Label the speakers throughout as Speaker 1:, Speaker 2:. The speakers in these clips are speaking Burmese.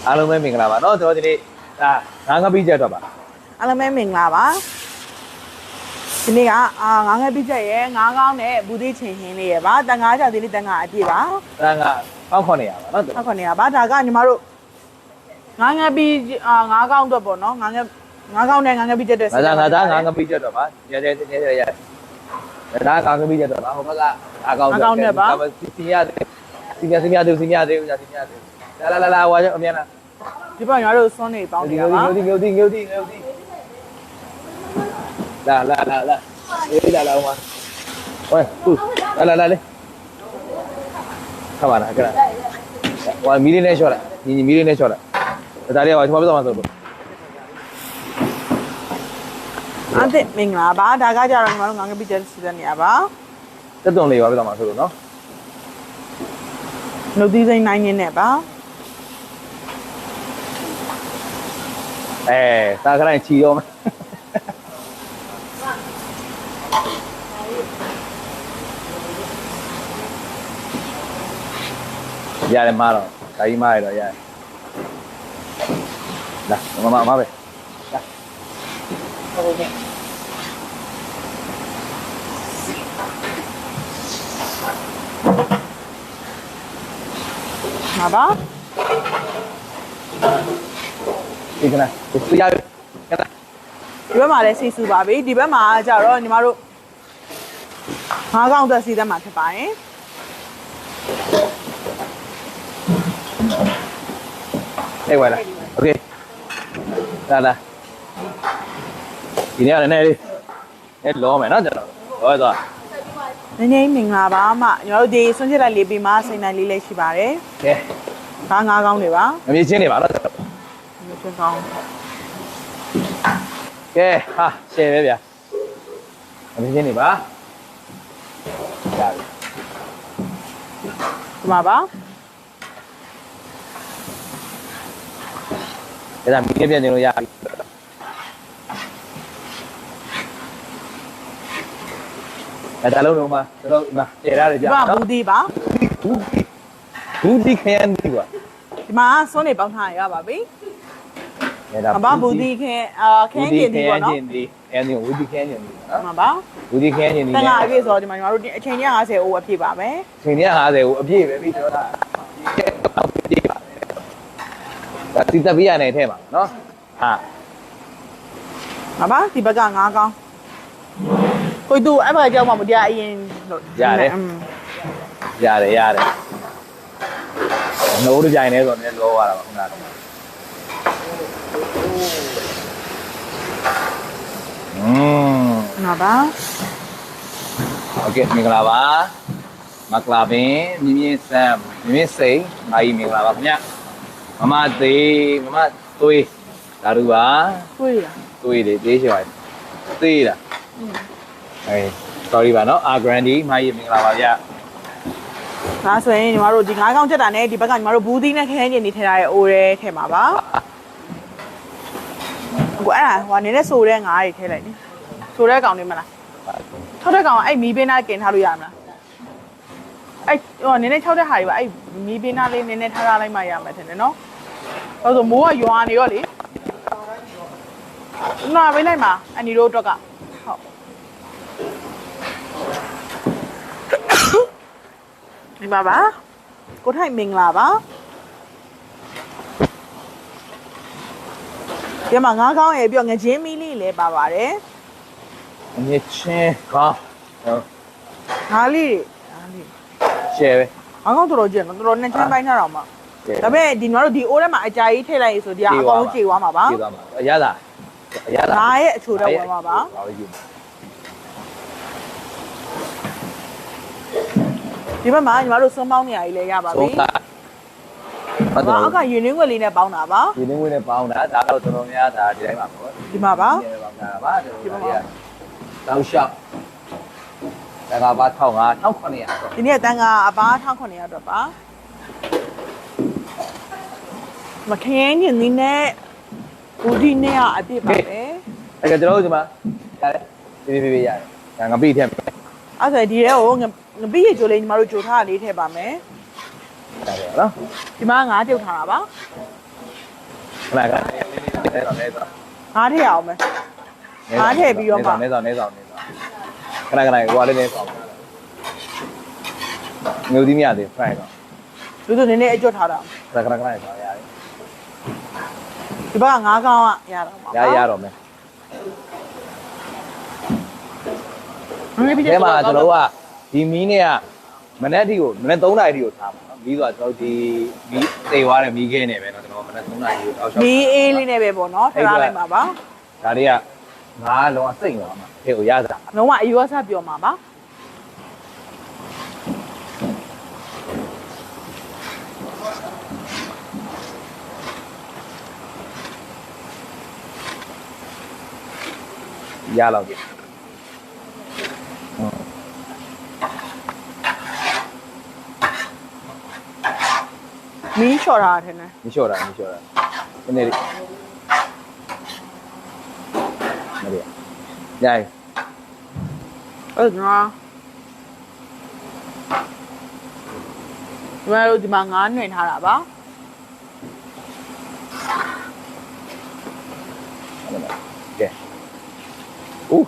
Speaker 1: အားလုံးပဲမင်္ဂလာပါเนาะကျွန်တော်ဒီနေ့ငါးပိချက်တော့ပါ
Speaker 2: အားလုံးပဲမင်္ဂလာပါဒီနေ့ကငါးပိချက်ရဲ့ငါးကောင်းနဲ့ဘူးသေးချင်ဟင်းလေးရဲ့ပါတန်ငါးကြောက်သေးလေးတန်ငါအပြည့်ပါ
Speaker 1: တန်ငါ1900ပါเนาะ
Speaker 2: 1900ပါဒါကညီမတို့ငါးပိငါးကောင်းတော့ပေါ့เนาะငါးကောင်းနဲ့ငါးပိချက်တဲ့
Speaker 1: ငါသားငါးပိချက်တော့ပါရဲဒါငါးပိချက်တော့ပါဟိုဘက်ကအားကောင်း
Speaker 2: တယ်ပါ
Speaker 1: စီမြသေးလာဟွာအမြန်လား
Speaker 2: ဒီဘက်ညီမတို့စွန်းနေပေါင်းနေတာပါ
Speaker 1: ငုတ်တီလာအေးလာဟိုမှာဟိုလာလေခါပါလားကဲဟိုမီလီနဲ့ရှော့လိုက်ညီမီလီနဲ့ရှော့လိုက်ဒါလေးဟိုကျွန်တော်ပြောမှာဆိုလို့
Speaker 2: အဲ့ဒါမင်္ဂလာပါဒါကကြတော့ညီမတို့ငါးပိချက်စီတဲ့နေရာပါ
Speaker 1: တက်တုံလေးပါပြောမှာဆိုလို့နော်
Speaker 2: နှုတ်သီးစိမ့်နိုင်နေနဲ့ပါ
Speaker 1: စားခိုင်းချီရောမယ်ရတယ်မတော့ဒါကြီးမရတော့ရတယ်လာမပဲလာ
Speaker 2: ဟုတ်ကဲ့မှာပါ
Speaker 1: ဒီကနေ့ဒီရကနေ့
Speaker 2: ဒီဘက်မှာလည်းစီစုပါပြီဒီဘက်မှာကျတော့ညီမတို့ငါးကောင်းသက်စီသက်မှာဖြစ်ပါရင်
Speaker 1: အေးဝါလာโอเคလာဒီနေ့လည်းလေးလောမယ်နော်ကျွန်တော်ဟောသွား
Speaker 2: နည်းနည်းမင်္ဂလာပါအမညီမတို့ဒီဆွန့်ချစ်လိုက်လေးပြီးမှစိန်တိုင်းလေးလည်းရှိပါတယ်
Speaker 1: ကဲ
Speaker 2: ငါးကောင်းတွေပါ
Speaker 1: မမြင်ချင်းနေပါတော့
Speaker 2: မမြင်ကောင်း
Speaker 1: ကဲဟာရှယ်ပဲဗျာမမြင်ချင်းနေပါရပြီ
Speaker 2: ဒီမှာပါ
Speaker 1: ဒါမီးပြန်နေလို့ရပြီဒါလုံးလုံးမှာတို့ကျေရတယ်ဗျာ
Speaker 2: နော်ဘူးဒီပါ
Speaker 1: ဘူးဒီခရမ်းဒီကွာ
Speaker 2: ဒီမှာစွန်းနေပေါင်းထားရပါပြီအမဘူးဒီခင်းကျင်ဒီပေါ့နော်
Speaker 1: အဲဒီဘူးဒီခင်းကျင်ဒီနော်
Speaker 2: မှန်ပါ
Speaker 1: ဘူးဒီခင်းကျင်ဒီ
Speaker 2: တန်ခါအပြည့်ဆိုတော့ဒီမှာညီမတို့အချိန်ကြီး50အိုးအပြည့်ပါမယ်
Speaker 1: အချိန်ကြီး50အိုးအပြည့်ပဲပြီးတော့ဒါတိတပိရနေထဲမှာနော်ဟာ
Speaker 2: မှန်ပါဒီဘက်ကငါးကောင်းကိုတူအဲ့ဘက်ကြောက်မှမတရားအရင်
Speaker 1: လို့ရတယ်နှိုးတကြိုင်နေဆိုတော့လည်းလောရတာပါခုနက
Speaker 2: ငါပါ
Speaker 1: โอเคမင်္ဂလာပါမကလာပင်မြင်းစမ်းမြင်းစိန်မာကြီးမင်္ဂလာပါခင်ဗျမမသေးမမသွေးဒါတို့ပါ
Speaker 2: သွေး
Speaker 1: လေသေးချင်ပါသေးလားsorry ပါနော်အာဂရန်ဒီမာကြီးမင်္ဂလာပါဗျ
Speaker 2: ဒါဆိုရင်ညီမတို့ဒီငါးကောင်းချက်တာနဲ့ဒီဘက်ကညီမတို့ဘူးသီးနဲ့ခရမ်းကျင်နေထည့်ထားတဲ့အိုးရဲထည့်မှာပါကိုအဲ့ဒါဟိုနည်းနည်းဆိုတဲ့ငါးတွေထည့်လိုက်နိဆိုတဲ့ကောင်နေမလားထောက်တဲ့ကောင်အဲ့မီးပင်းသားกินထားလို့ရမလားအဲ့ဟိုနည်းနည်းထောက်တဲ့ဟာတွေပါအဲ့မီးပင်းသားလေးနည်းနည်းထားလိုက်မှရမှာထင်တယ်နော်ဟုတ်ဆိုမိုးကရွာနေရောလေနားပေးလိုက်မှာအန်ဒီတို့အတွက်ကဟုတ်ဒီပါပါကိုထိုင်မင်္ဂလာပါဒီမှာငါးကောင်းရဲ့ပြီးတော့ငချင်းမီးလေးလည်းပါပါတယ်
Speaker 1: ငချင်းကောင်း
Speaker 2: ငါးလေး
Speaker 1: ရှယ်ပဲ
Speaker 2: ငါးကောင်းတော်ကြည့်နော်တော်နဲ့ချင်းပိုင်းထားတော့မှဒါပေမဲ့ဒီညီမတို့ဒီအိုးထဲမှာအကြာကြီးထည့်လိုက်ဆိုဒီကအကောင်ကြေသွားမှာပါ
Speaker 1: ကြေသွားမှာအရသာ
Speaker 2: ငါးရဲ့အချိုတော့ဝင်မှာပါဒီဘက်မှာညီမတို့စွန်းပေါင်းနေရည်လည်းရပါပြီအောက်ကယူနင်းွက်လေးနဲ့ပေါင်းတာပါ
Speaker 1: ယူနင်းွက်နဲ့ပေါင်းတာဒါတော့တော်တော်များဒါဒီတိုင်းပါပေါ့
Speaker 2: ဒီမှာပါ
Speaker 1: ပေါင်းတာပါဒီမှာတောက်လျှောက်တန်ခါပါ1900
Speaker 2: ဒီနေ့တန်ခါအပါ1900တော့ပါမခင်းညင်းနေနဲ့ဘူးဒီနဲ့အပြည့်ပါပဲ
Speaker 1: အဲ့ကကျွန်တော်တို့ဒီမှာရတယ်ပြေးရတယ်ဒါငါပိထည့်မယ်
Speaker 2: အဲ့ဆိုဒီထဲကိုငပိရကြိုလေးညီမတို့ကြိုထားတာလေးထည့်ပါမယ်
Speaker 1: ရတယ်နော်
Speaker 2: ဒီမှာငါးပြုတ်ထားတာပါ
Speaker 1: ခဏခဏနေတော့
Speaker 2: ငါးထည့်အောင်မယ်ငါးထည့်ပြီးတော့မှ
Speaker 1: နေဆောင်ခဏခဏဟိုလေးနေဆောင်ငုတ်သီးမရသေးဖရိုက်တော့
Speaker 2: လူတို့နည်းနည်းအကျွတ်ထားတာ
Speaker 1: ခဏခဏဆောင်ရတယ်
Speaker 2: ဒီဘက်ကငါးကောင်းကရတော့မှာ
Speaker 1: ရတော့မယ်
Speaker 2: နည်းပြီး
Speaker 1: ဒီမှာကျွန်တော်ကဒီမီးနဲ့ကမနေ့အထိကိုမနေ့3နာရီအထိကိုထားပါနော်မီးဆိုတော့ကျွန်တော်ဒီမီးတေသွားတယ်မီးခဲနေပဲเนาะကျွန်တော်မနေ့3နာရီကိုအောက်ရှောက်
Speaker 2: မီးအေးလေးနဲ့ပဲပေါ့နော်ထားလိုက်ပါပါ
Speaker 1: ဒါတွေကငါလုံးဝစိတ်သွားမှာဖေကိုရစား
Speaker 2: လုံးဝအယူအဆပြောမှာပါ
Speaker 1: ရလောက်ပြီ
Speaker 2: မီးလျှော်ထားတယ်နဲ့
Speaker 1: မလျှော့တာဒီနေ့လေးမလေးရိုက်
Speaker 2: အဲ့ဒါဒီမှာငါးနှွင်ထားတာပါ
Speaker 1: ကဲဦး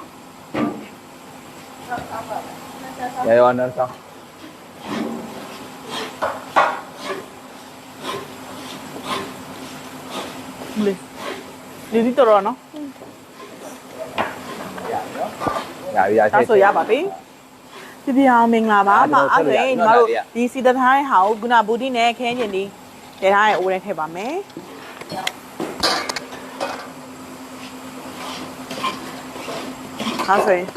Speaker 1: ရောနော်ဆောင်
Speaker 2: လေဒီတော်နော်
Speaker 1: ရ
Speaker 2: ဒါဆိုရပါပြီပြပြအောင်မင်္ဂလာပါမအဲ့ဒါညီမတို့ဒီစီတထိုင်းဟာကိုကုနာဘူတီနဲ့ခဲညင်ဒီတထားရဲ့အိုးထဲထည့်ပါမယ်ဟာဆိုရင်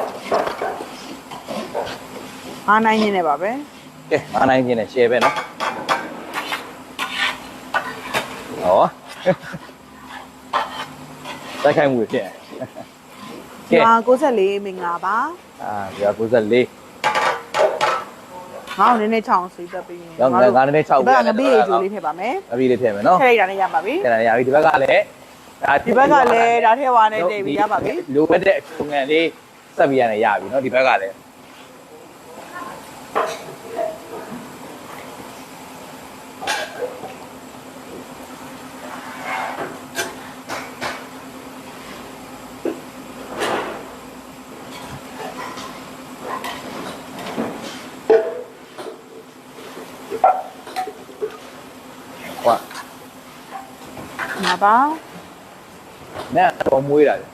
Speaker 2: အားနိုင်နေနေပါပဲ
Speaker 1: ကဲအားနိုင်ခြင်းနဲ့ share ပဲနော်ဟောတိုက်ခိုက်မှုဖြစ်
Speaker 2: ဒီမှာ94မင်္ဂလာပါ
Speaker 1: ဒီ94
Speaker 2: ငါ့ကိုနည်းနည်းချောင်းစီတက်ပြီး
Speaker 1: ရောင်းငါနည်းနည်း6
Speaker 2: ဒီဘက်ကငပိအကျိုးလေးထည့်ပါမယ်
Speaker 1: အပြီးလေးထည့်မယ်နော်
Speaker 2: ထည့်လိုက်တာနဲ့ရပါပြီ
Speaker 1: ထည့်ရပြီဒီဘက်ကလည်း
Speaker 2: ဒီဘက်ကလည်းဒါထည့်သွားနဲ့တည်ပြီးရပါပြီ
Speaker 1: လိုအပ်တဲ့အချုံငံလေးဆက်ပြီးရတယ်ရပြီနော်ဒီဘက်ကလည်းဟော
Speaker 2: မှာပါ
Speaker 1: နဲ့တော့မွေးတာလေ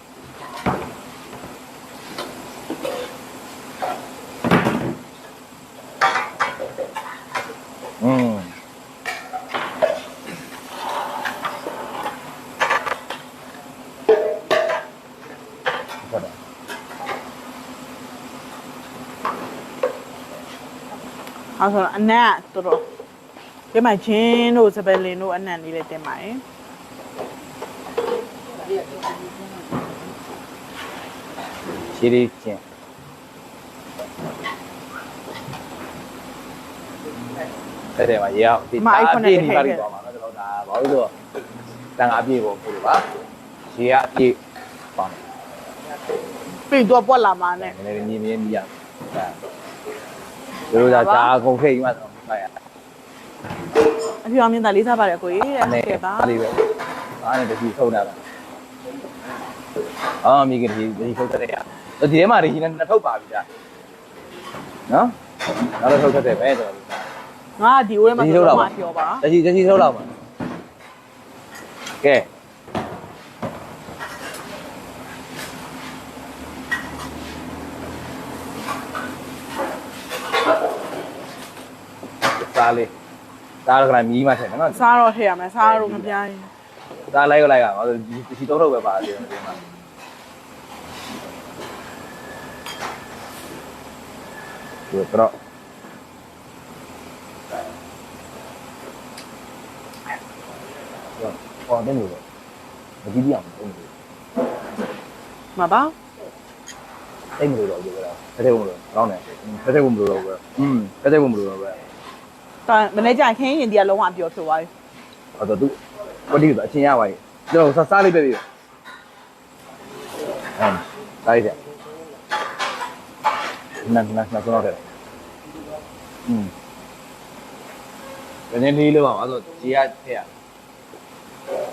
Speaker 1: ဟုတ်တယ်
Speaker 2: အဲ့ဆိုတော့အနက်တော်တော်ဒီမှာချင်းတို့စပယ်လင်တို့အနက်လေးလည်းတင်ပါတယ်
Speaker 1: ရှည်လေးချင်းတဲ့မှာရေအောင်ဒီပြေးနေပါလိမ့်သွားမှာနော်ကျွန်တော်ဒါဘာလို့ဆိုတော့တန်ငါပြေးဖို့ပို့လို့ပါရေကအပြေးပါမယ်
Speaker 2: ပြီးတော့ပွက်လာမှာနဲ့
Speaker 1: နည်းနည်းမြင်းမြင်းရတို့ဒါကုန်ထိတ်မှတော့ဖိုက်ရ
Speaker 2: အဖေအောင်မြင်တာလေးစားပါတယ်ကိုကြီးတဲ့ဟုတ်ကဲ့ပါ
Speaker 1: အားလေးပဲအားနဲ့တတိထုတ်တာပါအော်မိခင်ဒီထုတ်တဲ့ရဒီထဲမှာဒီနဲ့ထုတ်ပါပြီကြာနော်နောက်တော့ထုတ်တဲ့ပဲကျွန်တော်
Speaker 2: ငါဒီ OM မှာတော့မပြောပါ
Speaker 1: တကြီးထုတ်တော့ပါကဲစားလေးစားတော့ကလည်းမြည်မှထည့်နော်
Speaker 2: စားတော့ထည့်ရမယ်စားတော့မပြိုင်း
Speaker 1: စားလိုက်ရပါဒီတော့ထုတ်ပဲပါတယ်ဒီမှာဒီတော့ဟောတယ်လို့မကြည့်ပြအောင်တိတ်
Speaker 2: မှာပါ
Speaker 1: မလို့တော့ပြောတာတစ်ထည့်ဖို့မလို့ကောင်းတယ်တစ်ထည့်ဖို့မလို့တော့ပဲတစ်ထည့်ဖို့မလို့တော့ပဲ
Speaker 2: ဒါမနေ့ကျခင်းရင်ဒီကလုံးဝအပြောဖြစ်သွားပြီ
Speaker 1: ဟောတော့သူပတိကအချင်းရပါရဲ့ကျွန်တော်စားလေးပဲပြီစားရည်နန်းကျွန်တော်တယ်ဘယ်နည်းလေးလို့ပါဆိုခြေရထည့်ရ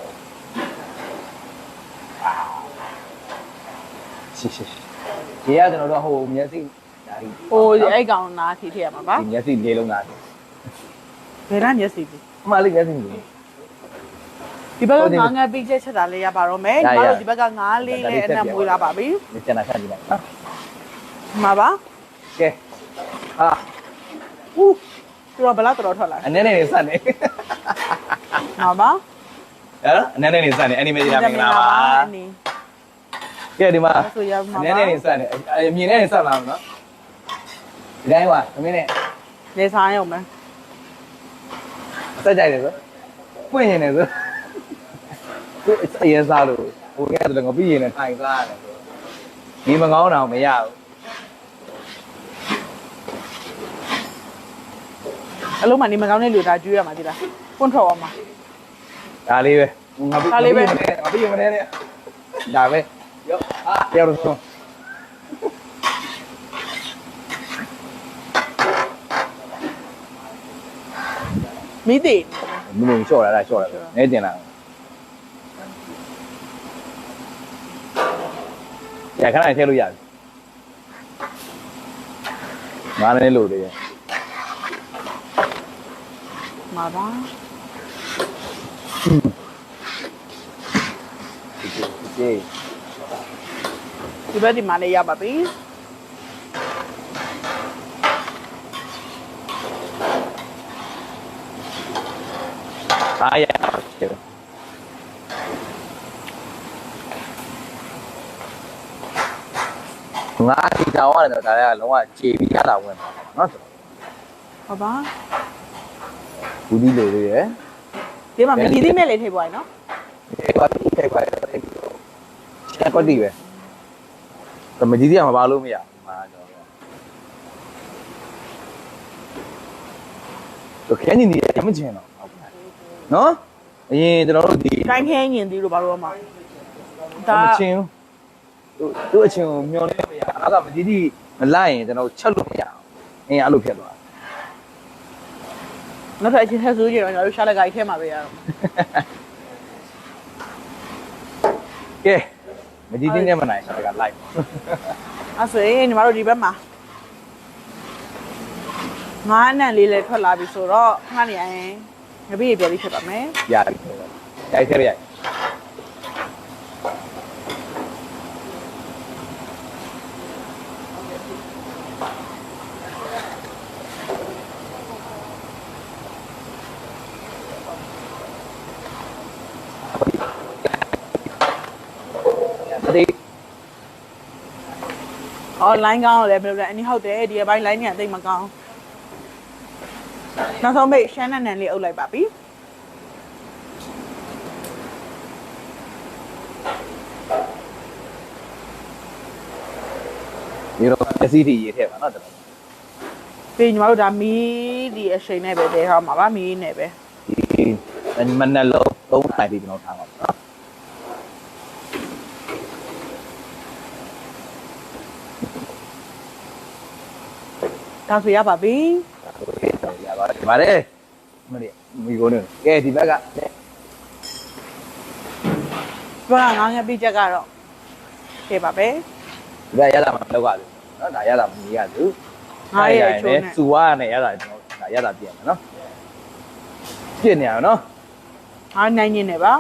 Speaker 1: ရေကကျွန်တော်တို့ဟိုမျက်စိဒါဒီ
Speaker 2: ဟိုအဲ့ကောင်နာထိထည့်ရမှာပါ
Speaker 1: ဒီမျက်စိလေးလုံးသား
Speaker 2: ဘယ်လားမျက်စိပြီ
Speaker 1: အမှလေးမျက်စိလေး
Speaker 2: ဒီဘက်ကငါးငါးပြီးချက်ချက်တာလေးရပါတော့မယ်ညီမတို့ဒီဘက်ကငါးလေးနဲ့အနက်မွေးလာပါပြီ
Speaker 1: ဒီကျန်တာဆက်ကြည့်လိုက်နော်
Speaker 2: မှာပါ
Speaker 1: ကဲဟာ
Speaker 2: ဦးသူတော့ဘလားတော်ထွက်လာ
Speaker 1: အနေနဲ့နေစနေ
Speaker 2: မှာပါ
Speaker 1: ဟဲ့အနေနဲ့နေစနေအနီမေဒီလာမင်္ဂလာပါကဲဒီမှာ
Speaker 2: ဆိုရမှာ
Speaker 1: အနေနဲ့နေစနေအမြင်နဲ့နေစလာမနော်ဒီတိုင်းပါသမီးနဲ့
Speaker 2: နေစားရုံပဲ
Speaker 1: စက်ကြိုက်တယ်ဆိုပွင့်ရင်လည်းဆိုသူအရင်စားလို့ဟိုကဲတော့ငါပြီးရင်လည်းထိုင်စားရတယ်ဒီမကောင်းတော့မရဘူး
Speaker 2: အလုံးမနေမကောင်းတဲ့လူသားကျွေးရမှာဒီလားပွန့်ထွက်အောင်မှာ
Speaker 1: ဒါလေးပဲငါပြီးရင်မနေနဲ့ဒါပဲရောဟာပြောလို့ဆို
Speaker 2: မိသေး
Speaker 1: မင်းလျှော့လာတာနဲတင်လာရခဏထည့်လို့ရပြီငါလည်းလို့တယ်
Speaker 2: မှာပါ
Speaker 1: ဒီ
Speaker 2: ဒီဘက်ဒီမှာလေးရပါပြီ
Speaker 1: အားရတယ်ငါဒီတောင်းရတယ်တော့ဒါလည်းလုံးဝခြေပြီးရတာဝင်ပါနော်
Speaker 2: ဟုတ်ပါ
Speaker 1: ဘူးဒီလိုလေးရယ်
Speaker 2: ဒီမှာမီဒီမဲ့လေးထိပ်ပွားရနော်
Speaker 1: ဒီကွာဒီထိပ်ပါချက်ကွက်တီပဲတမကြီးစီကမပါလို့မရမှာကျွန်တော်ခဲနေနေရမချင်တော့နော်အရင်ကျွန်တော်တို့ဒီ
Speaker 2: တိုင်းခင်းညင်သေးလို့ဘာလို့မှ
Speaker 1: ဒါမချင်းသူ့အချင်းကိုမျောနေမရအဲ့ဒါမကြီးကြီးမလိုက်ရင်ကျွန်တော်ချက်လို့မရအောင်အင်းအဲ့လိုဖြစ်သွား
Speaker 2: နောက်ထပ်အချင်းထက်ဆိုးကြတော့ကျွန်တော်တို့ရှာလက်ကိုက်ထဲမှာပဲရတော့
Speaker 1: ကဲမကြီးတင်းနဲ့မနိုင်ရှာကလိုက်
Speaker 2: အဲ့ဆိုရင်ညီမတို့ဒီဘက်မှာငါးအနံ့လေးလည်းထွက်လာပြီဆိုတော့ခဏနေရင်ငပိရပြပြီးဖြစ်ပါမယ်
Speaker 1: ရပြီရိုက်ထည့်ရိုက်ဒီ
Speaker 2: online ကောင်းတော့လည်းဘယ်လိုလဲအနည်းဟုတ်တယ်ဒီအပိုင်း line ညတိတ်မကောင်းနောက်ဆုံးပိတ်ရှမ်းနံနံလေးအုပ်လိုက်ပါပြီ
Speaker 1: ဒီတော့အစီတီရေးထည့်ပါနော်တော်
Speaker 2: ပြီးညီမတို့ဒါမီးဒီအချိန်နဲ့ပဲတည်ထားမှာပါမီးနဲ့ပဲ
Speaker 1: ဒီမနက်လုံး3နိုင်ပြီးကျွန်တော်ထားပါနော်
Speaker 2: ဒါဆိုရပါပြီ
Speaker 1: ရပါတယ်ဒီပါတယ်မလေးမီကိုနေကဲဒီဘက်က
Speaker 2: ဘာငါးငါးပြီးချက်ကတော့ဖြေပါပဲ
Speaker 1: ဒီဘက်ရတာမလောက်ရဘူးနော်ဒါရတာမမြင်ရဘူး
Speaker 2: ငါးရဲ့ချိုးနဲ့
Speaker 1: စူဝါနဲ့ရတာကျွန်တော်ဒါရတာပြင်မယ်နော်ပြည့်နေအောင်နော်
Speaker 2: ငါးနိုင်ညင်းနေပါ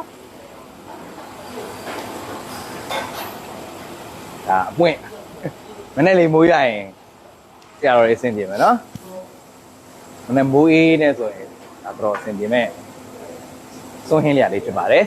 Speaker 1: ဒါအပွင့်မနေ့လေးမိုးရရင်ဆရာတော်ရေးအဆင်ပြေမယ်နော်မနေ့မိုးအေးနဲ့ဆိုရင်ဒါတော့အဆင်ပြေမယ်စွန့်ဟင်းလျာလေးဖြစ်ပါတယ်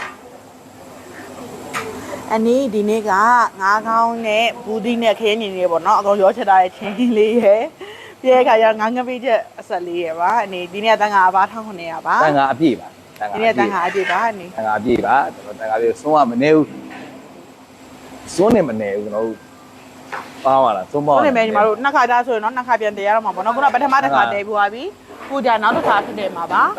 Speaker 2: အနည်းဒီနေ့ကငါးကောင်းနဲ့ဘူးသီးနဲ့ခရမ်းညင်လေးပေါ့နော်အကောင်ရောချက်ထားတဲ့ချင်းလေးရယ်ပြဲခါရငါးငပိချက်အဆက်လေးရယ်ပါအနေဒီနေ့တန်ခါအပါ1900ပါ
Speaker 1: တန်ခါအပြည့်ပါ
Speaker 2: ဒီနေ့တန်ခါအပြည့်ပါအနေ
Speaker 1: တန်ခါအပြည့်ပါကျွန်တော်တန်ခါပြည့်စွန့်ကမနေဘူးစွန့်နေမနေဘူးကျွန်တော်ပါပါလားစွန့်ပါ
Speaker 2: ဟုတ်တယ်မယ်ညီမတို့နှစ်ခါသားဆိုရင်တော့နှစ်ခါပြန်တည်ရတော့မှာပေါ့နော်ခုနပထမတစ်ခါတည်ပြီးသွားပြီခုဒါနောက်တစ်ခါဖြစ်တယ်မှာပါ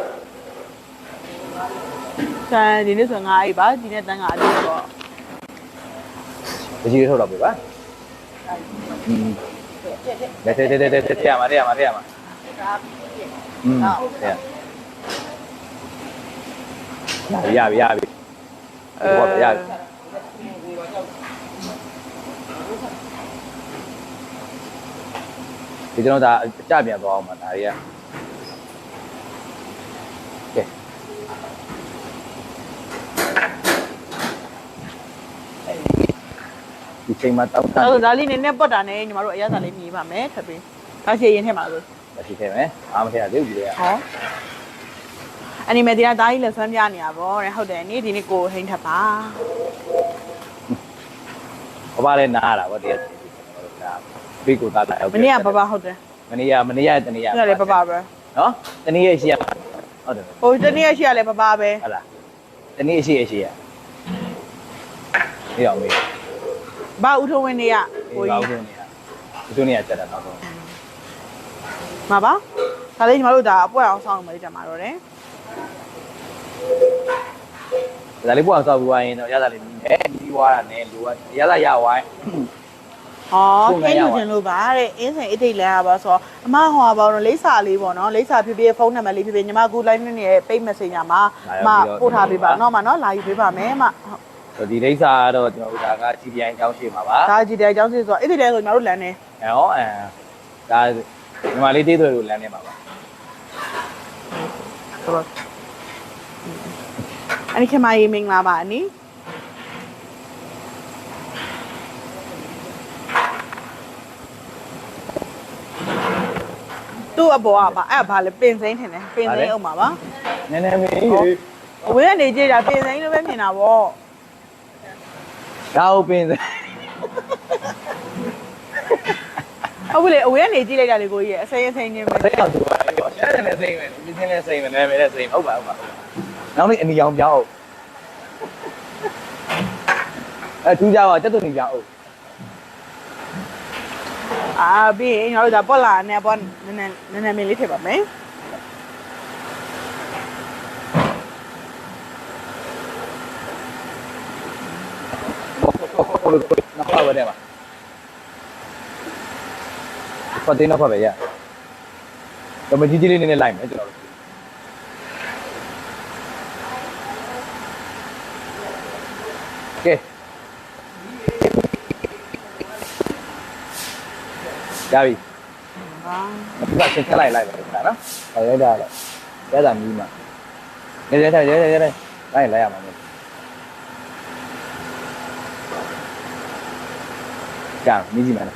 Speaker 2: ဆန်ဒီနေ့ဆိုငါအေးပါဒီနေ့တန်ခါအပြည့်ပေါ့
Speaker 1: တကြီးထုတ်တော့ပြီပါတဲ့ရမှာရမှာရပြီဟုတ်ပါပြီရပြီဒီကျွန်တော်ဒါအကြပြန်သွားအောင်ပါဒါတွေကကဲဒီချိန်မှာတောက်တန်း
Speaker 2: အဲ့ဒါလေးနည်းနည်းပတ်တာနဲ့ညီမတို့အရသာလေးမြည်ပါမယ်ထပ်ပြီးဒါချေရင်ထဲမှာဆို
Speaker 1: မရှိထဲမယ်အားမထဲရသေးဘူးဒီက
Speaker 2: ဟောအနီမေဒီယာဒါကြီးလက်ဆွမ်းပြနေရပါတဲ့ဟုတ်တယ်နေ့ဒီနေ့ကိုဟိန်းထပ်ပါ
Speaker 1: ဘာလဲနားလာဗောတရားဒါဘေးကိုသားလာ
Speaker 2: မနေ့ကပပဟုတ်တယ်
Speaker 1: မနေ့ကတနေ့ရ
Speaker 2: ဒီကလည်းပပပဲ
Speaker 1: နော်တနေ့ရရှိရဟုတ်တယ်
Speaker 2: ဟိုတနေ့ရှိရလဲပပပဲ
Speaker 1: ဟုတ်လားတနေ့ရှိရဒီအောင်မေး
Speaker 2: ဘာဥထုံးဝင်နေရ
Speaker 1: ကိုကြီးဦးတို့နေရတက်တာတော့
Speaker 2: မှာပါဒါလေးညီမတို့ဒါအပွက်အောင်ဆောင်းမယ်ကြမှာတော့တယ်
Speaker 1: ဒါလေးပေါ့အောင်ဆောက်ပြီးသွားရင်တော့ရတာလေးမြည်တယ်ပြီးသွားတာနဲ့လိုရတာရဝိုင်း
Speaker 2: ဟောခင်းယူခြင်းလို့ပါတဲ့အင်းစင်အတိတ်လဲရပါဆိုတော့အမဟောပါတော့လိပ်စာလေးပေါ့နော်လိပ်စာဖြစ်ဖြစ်ဖုန်းနံပါတ်လေးဖြစ်ဖြစ်ညီမကူ line နဲ့ရဲ့ page messenger မှာမပို့ထားပေးပါနော်မနော်လာယူပေးပါမယ်မ
Speaker 1: ဆိုဒီလိပ်စာကတော့ကျွန်တော်တို့ဒါက GPI အကြောင်းရှိမှာပါ
Speaker 2: ဒါကြည်တဲ့အကြောင်းစစ်ဆိုတော့အဲ့ဒီတည်းဆိုညီမတို့လမ်းနေ
Speaker 1: ဟောဒါညီမလေးတေးသွေးကိုလမ်းနေမှာပါ
Speaker 2: ဆိုတော့အနိခင်မကြီးမင်္ဂလာပါအနိသူ့အပေါ်ကပါအဲ့ဘာလဲပင်စိမ့်ထင်တယ်ပင်စိမ့်အောင်ပါပါ
Speaker 1: နည်းနည်းမေး
Speaker 2: အဝေးကနေကြည့်တာပင်စိမ့်လို့ပဲမြင်တာဗော
Speaker 1: ဒါဟုတ်ပင်စ
Speaker 2: ဟုတ်ပြီလေအဝေးကနေကြည့်လိုက်တာလေကိုကြီးရဲ့အစိမ့်အစိမ့်ချင်းပဲ
Speaker 1: စိတ်အောင်သူပါလေပေါ့အဲ့ဒါလည်းစိတ်ပဲပြင်းလည်းစိတ်ပဲနာမည်လည်းစိတ်ဟုတ်ပါနောက်နေ့အနီအောင်ပြောင်းထူးကြပါတက်တူနေပြောင်း
Speaker 2: အာပြီးရင်ကျွန်တော်တို့ဒါပေါ်လာနဲ့ပေါ်နည်းနည်းမင်းလေးထည့်ပါမယ်
Speaker 1: နောက်ပါပဲပါပတ်တင်းနောက်ပါပဲရတော့မကြီးကြီးလေးနည်းနည်းလိုက်မယ်ကျွန်တော်တို့ကဲရပြီ
Speaker 2: ဟာ
Speaker 1: ဒီကချက်လိုက်လိုက်ပါနော်ဟောရိုက်တာလေရတာမီးမှာရဲလိုက်ရမှာမို့ကြာမီးကြီးမှာ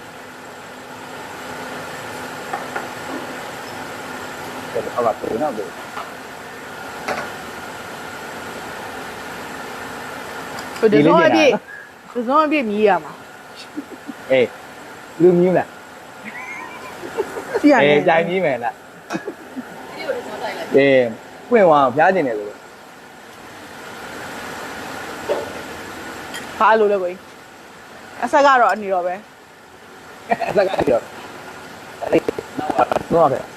Speaker 1: ဟုတ်ပါဘူးနော်
Speaker 2: ဒီဇွန်အပြည့်မြည်ရမှာ
Speaker 1: အေးလူမြူးလား
Speaker 2: ကြည့်ရနေ
Speaker 1: အေးကြိုင်မြည်မယ်လားအေးပွင့်သွားဖျားကျင်တယ်လို့
Speaker 2: ဟာလို့လေကိုကြီးအဆက်ကတော့အနီတော့ပဲ
Speaker 1: အစကားပြောအဲ့နောက်ပါတော့ခဲ့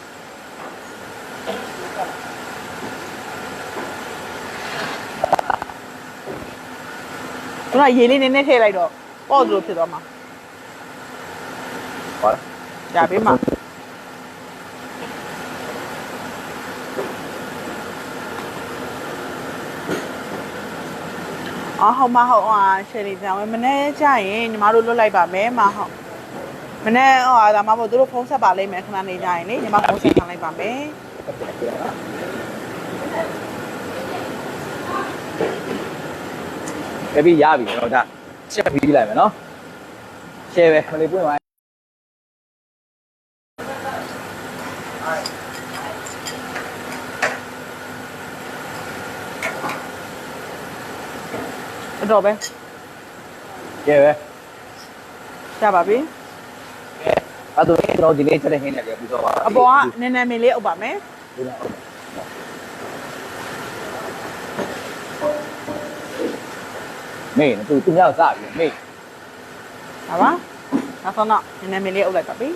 Speaker 2: ခုနရေလေးနည်းနည်းထည့်လိုက်တော့ပေါ့လို့ဖြစ်သွားမှာ
Speaker 1: ဟော
Speaker 2: ဒါပေးမှာအော်ဟောမဟုတ်ဟာရှယ်လီကြောင်မနေ့ကျရင်ညီမတို့လွတ်လိုက်ပါမယ်မဟုတ်မနေ့ဟောဒါမှမဟုတ်သူတို့ဖုန်းဆက်ပါလိမ့်မယ်ခဏနေကြရင်လေညီမဖုန်းဆက်ထားလိုက်ပါမယ်
Speaker 1: ကပြီးရပြီတော့ဒါချက်ပြီးလိုက်မယ်နော်ရှယ်ပဲမလေးပွင့်သွား
Speaker 2: တော့ပဲ
Speaker 1: ရှယ်ပဲ
Speaker 2: ရပါပြီ
Speaker 1: အဲ့တော့ကျွန်တော်ဒီနေ့ချက်တဲ့ဟင်းနဲ့လည်းပြီးတော့ပါ
Speaker 2: အပေါ်ကနည်းနည်းမင်းလေးအုပ်ပါမယ်
Speaker 1: မေးသူများစပြီမေး
Speaker 2: ဟာပါနောက်ဆုံးတော့နည်းနည်းမင်းလေးအုပ်လိုက်ပါပြီ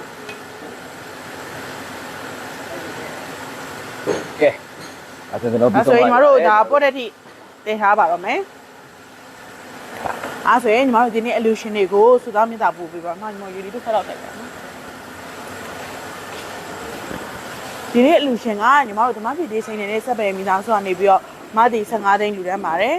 Speaker 1: ကဲအဲ့ဒါကျွန်တော်ပြီး
Speaker 2: အဲ့
Speaker 1: တော့
Speaker 2: ဆိုရင်ညီမတို့ဒါပေါ့တဲ့ထိတင်ထားပါတော့မယ်အဲ့ဆိုရင်ညီမတို့ဒီနေ့ illusion တွေကိုစုသားမြင့်တာပို့ပေးပါမှညီမယူလီတို့ဆက်တော့တိုက်ပါနော်ဒီနေ့ illusion ကညီမတို့ဓမ္မပြည်သေးစိန်နေတဲ့စက်ပယ်မိသားစုကနေပြီးတော့မတီ15သိန်းလူတန်းပါတယ်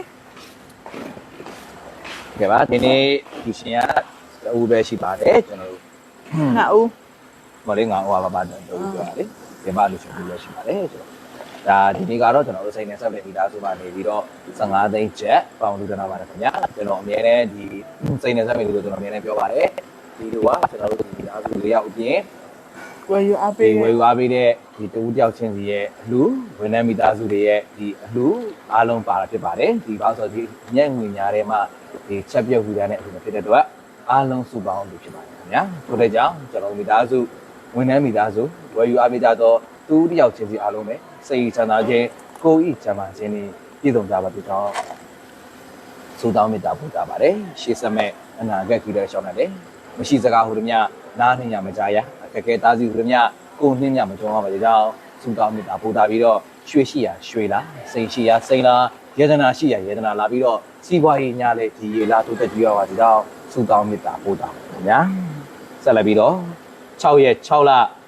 Speaker 1: ကဲပါဒီနေ့ဒီရှင်ကဟိုပဲရှိပါတယ်ကျွန်တော်တို့
Speaker 2: နှစ်ဦး
Speaker 1: မလေးငါဟိုပါတော့ပြောပြလေဒီမှာလို့ရှိရင်ပြောရှိပါတယ်ဆိုတော့ဒါဒီနေ့ကတော့ကျွန်တော်တို့စိတ်နဲ့ဆက်လက်ပြီးသားဆိုမှနေပြီးတော့15သိန်းကျပ်ပေါင်လူတနာပါတယ်ခင်ဗျာကျွန်တော်အများနဲ့ဒီစိတ်နဲ့ဆက်ပြီးလို့ကျွန်တော်အများနဲ့ပြောပါတယ်ဒီလိုကကျွန်တော်တို့ဒီသားစု၄ယောက်အပြင်
Speaker 2: ဝယ်ယူအားပေး
Speaker 1: တဲ့ဒီတူတယောက်ချင်းစီရဲ့အလှဝန်ထမ်းမိသားစုတွေရဲ့ဒီအလှအားလုံးပါတာဖြစ်ပါတယ်ဒီဘာဆိုဒီညက်ငွေများထဲမှာဒီချက်ပြုတ်ပြီးတဲ့အခုဖြစ်တဲ့အတွက်အားလုံးစုပေါင်းလို့ဖြစ်ပါတယ်ခင်ဗျာထို့တဲ့ကြောင့်ကျွန်တော်မိသားစုဝန်ထမ်းမိသားစုဝယ်ယူအားပေးကြတော့တူတယောက်ချင်းစီအားလုံးပဲစိတ်ချမ်းသာခြင်းကိုယ်ဤချမ်းသာခြင်းနဲ့ပြည့်စုံကြပါစေကြောင်းဆုတောင်းမေတ္တာပို့ကြပါတယ်ရှေးဆက်မဲ့အနာဂတ်ကြီးတဲ့ရှောင်းတယ်မရှိစကားဟူသည်များနားနှင်းရမကြရအခက်ခဲသားစီဟူသည်များကိုနှင်းညမကြုံရပါစေကြောင်းဆုတောင်းမေတ္တာပို့တာပြီးတော့ရွှေရှိရာရွှေလားစိန်ရှိရာစိန်လားယေဒနာရှိရာယေဒနာလာပြီးတော့စီးပွားရေးညာလေဒီရေလားတိုးတက်ကြရပါစေကြောင်းဆုတောင်းမေတ္တာပို့တာပါဗျာဆက်လက်ပြီးတော့6ရက်6လ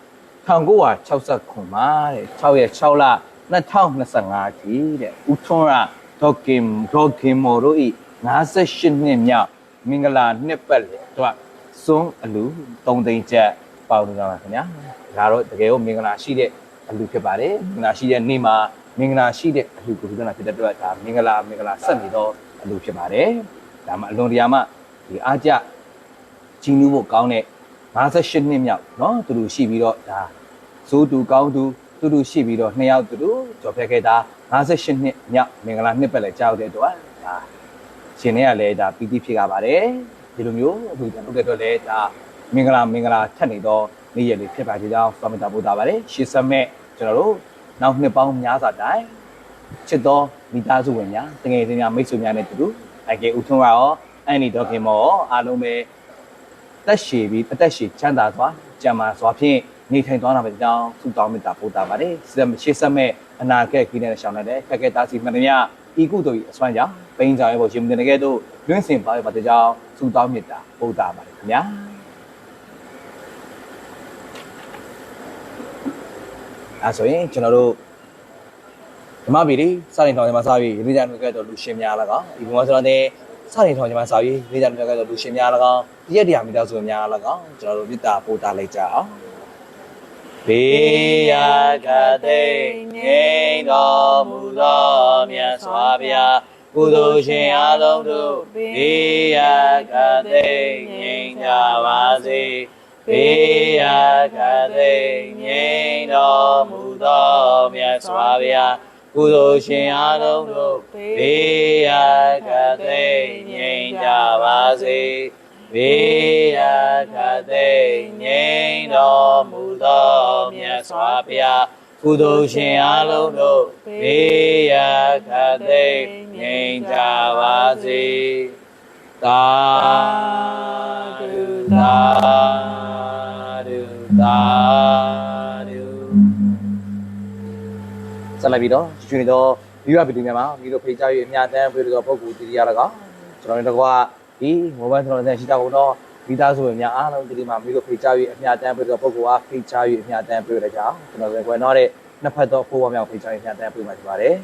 Speaker 1: 1969မှာတဲ့6ရက်6လ2025ထိတဲ့ဦးထွန်းရဒေါကင်မိုတို့ဤ58နှစ်မြောက်မင်္ဂလာနှစ်ပတ်လေတော့စွန်းအလူ3သိန်းကျပ်ပေါင်းနေတာပါခင်ဗျာဒါတော့တကယ်ကိုမင်္ဂလာရှိတဲ့အလူဖြစ်ပါတယ်မင်္ဂလာရှိတဲ့နေ့မှာမင်္ဂလာရှိတဲ့အလူကိုဒီကနေ့ဖြစ်တဲ့အတွက်ဒါမင်္ဂလာဆက်နေတော့အလူဖြစ်ပါတယ်ဒါမှအလွန်တရာမှဒီအားကြကြီးနူးဖို့ကောင်းတဲ့58နှစ်မြောက်เนาะသူတို့ရှိပြီးတော့ဒါဇိုးတူကောင်းတူသူတို့ရှိပြီးတော့2ယောက်သူတို့ကြော်ဖြတ်ခဲ့တာ58နှစ်မြောက်မင်္ဂလာနှစ်ပတ်လည်းကြောက်တဲ့အတွက်ဒါရှင်တွေကလည်းဒါပီတိဖြစ်ကြပါတယ်ဒီလိုမျိုးအခုကျွန်တော်တို့အတွက်လည်းဒါမင်္ဂလာထပ်နေတော့နေ့ရက်လေးဖြစ်ပါကြကြောင်းစောင့်မျှော်ပို့တာပါတယ်ရှေ့ဆက်မဲ့ကျွန်တော်တို့နောက်နှစ်ပေါင်းများစွာတိုင်ချစ်တော်မိသားစုဝင်များတကယ်ချင်းများမိတ်ဆွေများနဲ့တူတူအိုင်ကေဦးထွန်းကရောအန်နီဒေါခင်မောအားလုံးပဲတက်ရှည်ပြီးအသက်ရှည်ချမ်းသာစွာကြံမာစွာဖြင့်နေထိုင်သွားတာပဲကြောင်းဆုတောင်းမေတ္တာပို့တာပါတယ်ရှေ့ဆက်မဲ့အနာဂတ်ကြီးနဲ့ရှောင်းတဲ့ခက်ခဲတားစီမှန်သမျှဤကုသိုလ်၏အစွမ်းကြောင့်ပိန်းကြောင်ရဲ့ပေါ်ရှင်မတင်တဲ့တို့လွင့်စင်ပါရပါတဲ့ကြောင်းဆုတောင်းမေတ္တာပို့တာပါတယ်ခင်ဗျာအဲဆိုရင်ကျွန်တော်တို့ဓမ္မပီတိစတင်ထောင်ကျမစာပြီးရေးကြနှုတ်ခဲ့တော်လူရှင်များ၎င်းဒီဘုံမှာဆိုတော့စတင်ထောင်ကျမစာပြီးရေးကြနှုတ်ခဲ့တော်လူရှင်များ၎င်းဒီရက်တရားမိသားစုများ၎င်းကျွန်တော်တို့မေတ္တာပို့တာလိုက်ကြအောင်ဘေးရာကတိငြိမ်းတော်မူသောမြတ်စွာဘုရားကုသိုလ်ရှင်အားလုံးတို့ဘေးရာကတိငြိမ်းကြပါစေဘေးရာကတိငြိမ်းတော်မူသောမြတ်စွာဘုရားကုသိုလ်ရှင်အားလုံးတို့ဘေးရာကတိငြိမ်းကြပါစေဘေးရာကတိငြိမ်းတော်မူသောမြတ်စွာဘုရားကုသိုလ်ရှင်အားလုံးတို့ဘေးရာကတိငြိမ်းကြပါစေသာဓုသာဓုသာဓုဆက်လက်ပြီးတော့ကျွေးတော့ဒီရဗီဒီယိုများမှာပြီးတော့ဖေးကြ၍အများတန်းပြေတော့ပုဂ္ဂိုလ်တရား၎င်းကျွန်တော်တို့ကဒီမိုဘိုင်းဖုန်းနဲ့ရှိတာကတော့မိသားစုဝင်များအားလုံးဒီမှာပြီးတော့ဖေးကြ၍အများတန်းပြေတော့ပုဂ္ဂိုလ်အားဖေးကြ၍အများတန်းပြေရကြအောင်ကျွန်တော်တို့ကွယ်တော့တဲ့နှစ်ဖက်တော့ဖိုးဝါမြောက်ဖေးကြ၍အများတန်းပြေမှာဖြစ်ပါတယ်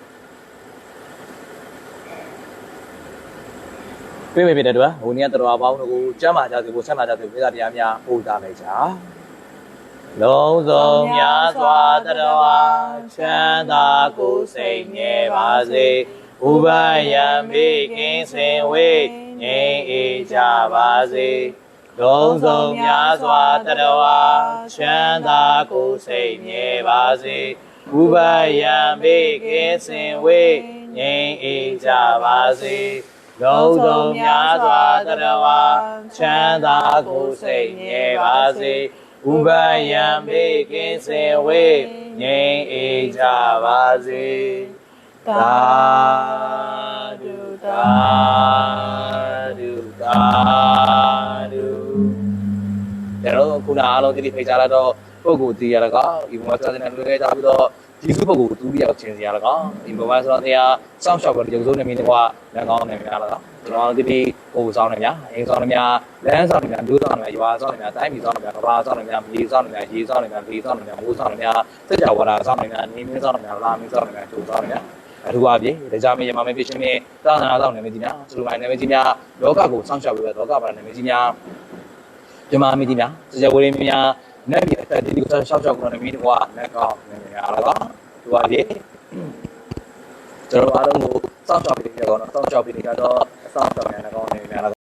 Speaker 1: ပြေးတဲ့တော့ဟိုနေ့ကတော်ပေါင်းတို့ကိုကျမ်းမာကြစေဖို့ဆက်လာကြစေဖို့ပြည်သားများပို့သားလိုက်ကြလုံးစုံများစွာတရားချမ်းသာကိုစိတ်ငြဲပါစေဥပယံမိကင်းစင်ဝေးငြိမ်းအေးကြပါစေလုံးစုံများစွာတရားချမ်းသာကိုစိတ်ငြဲပါစေဥပယံမိကင်းစင်ဝေးငြိမ်းအေးကြပါစေလုံးစုံများစွာတရားချမ်းသာကိုစိတ်ငြဲပါစေဥပယံဘေးကင်းစင်ဝေးငြိမ်းအေးကြပါစေသာဓုသာဓုသာဓုကျွန်တော်ခုနအားလုံးဒီဖိတ်ကြားလာတော့ပုဂ္ဂိုလ်တီးရလကောဒီဘုရားစာတဲ့လူတွေကြပြီးတော့ဒီစုပုဂ္ဂိုလ်သူတယောက်ချင်းစီရလကောဒီဘုရားဆိုတော့တရားစောင့်ရှောက်ပြီးရုပ်စိုးနေမိတဲ့ကွာလက်ကောင်းနေများလကောကျွန်တော်ဒီပို့ဆောင်နေများအင်းဆောင်နေများလမ်းဆောင်နေများဒူးဆောင်နေများရွာဆောင်နေများတိုင်းပြည်ဆောင်နေများကဘာဆောင်နေများမြေဆောင်နေများရေဆောင်နေများလေဆောင်နေများမိုးဆောင်နေများစကြဝဠာဆောင်နေများနေမင်းဆောင်နေများလာမင်းဆောင်နေများကျိုးဆောင်နေများအထူးအပြင်ဒါကြမရမမဖြစ်ရှင်နဲ့သာသနာဆောင်နေမြကြီးများစလူပိုင်းနေမြကြီးများလောကကိုစောင့်ရှောက်ပြီးတော့လောကပါနေမြကြီးများပြမမြကြီးများစကြဝဠာများနေ့ပြတဲ့ဒီကိုဆောက်ရှောက်ကနေပြီးတော့လက်ကောက်နေရတော့သူကလေကျွန်တော်အားလုံးကိုစောင့်ရှောက်ပြီးတော့စောင့်ရှောက်ပြီးတော့အစောင့်ရှောက်နေရတော့နေရ